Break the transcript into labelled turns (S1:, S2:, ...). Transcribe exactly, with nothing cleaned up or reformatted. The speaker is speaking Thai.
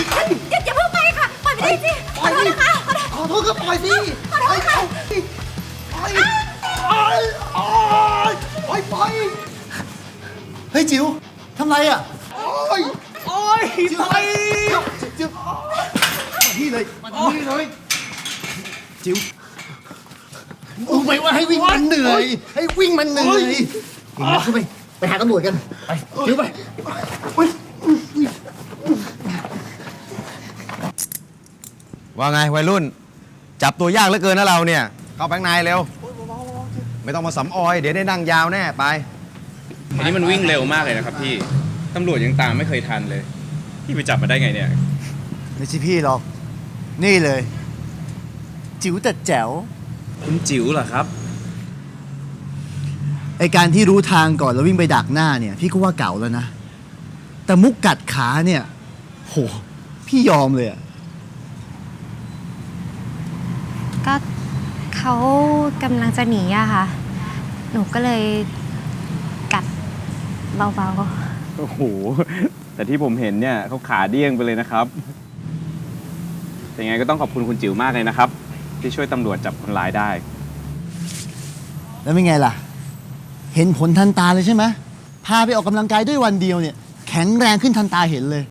S1: อย่าอย่าเพิ่งไปค่ะ ปล่อยไปได้สิขอโทษนะคะขอโทษ
S2: ขอโทษก็ปล่อยสิ
S1: ขอโทษค่ะ
S2: ปล่อยปล่อยปล่อยปล่อยปล่อยเฮ้ยจิ๋วทำไรอ่ะโอ้ยโอ้ยจิ๋วไปจิ๋วมาที่เลยมาที่เลยจิ๋วรู้ไหมว่าให้วิ่งมันเหนื่อยให้วิ่งมันเหนื่อยเห็นไหมเข้าไปไปหาตำรวจกันไปจิ๋วไปอุ๊ย
S3: ว่าไงวัยรุ่น จับตัวยากเหลือเกินนะเราเนี่ย เข้าไปข้างในเร็ว ไม่ต้องมาสำออย เดี๋ยวได้นั่งยาวแน่ไป
S4: อันนี้มันวิ่งเร็วมากเลยนะครับพี่ ตำรวจยังตามไม่เคยทันเลย พี่ไปจับมาได้ไงเนี่ย
S2: ไม่ใช่พี่หรอกนี่เลยจิ๋วแต่แจ๋ว
S4: คุณจิ๋วเหรอครับ
S2: ไอการที่รู้ทางก่อนแล้ววิ่งไปดักหน้าเนี่ยพี่ก็ว่าเก่าแล้วนะ แต่มุกกัดขาเนี่ยโหพี่ยอมเลยอะ
S5: ก็เขากำลังจะหนีอะค่ะ หนูก็เลยกัดเบา
S4: โอ้โห แต่ที่ผมเห็นเนี่ยเขาขาเดี้ยงไปเลยนะครับ แต่ยังไงก็ต้องขอบคุณคุณจิ๋วมากเลยนะครับ ที่ช่วยตำรวจจับคนร้ายได้
S2: แล้วเป็นไงล่ะ เห็นผลทันตาเลยใช่ไหมพาไปออกกำลังกายด้วยวันเดียวเนี่ยแข็งแรงขึ้นทันตาเห็นเลย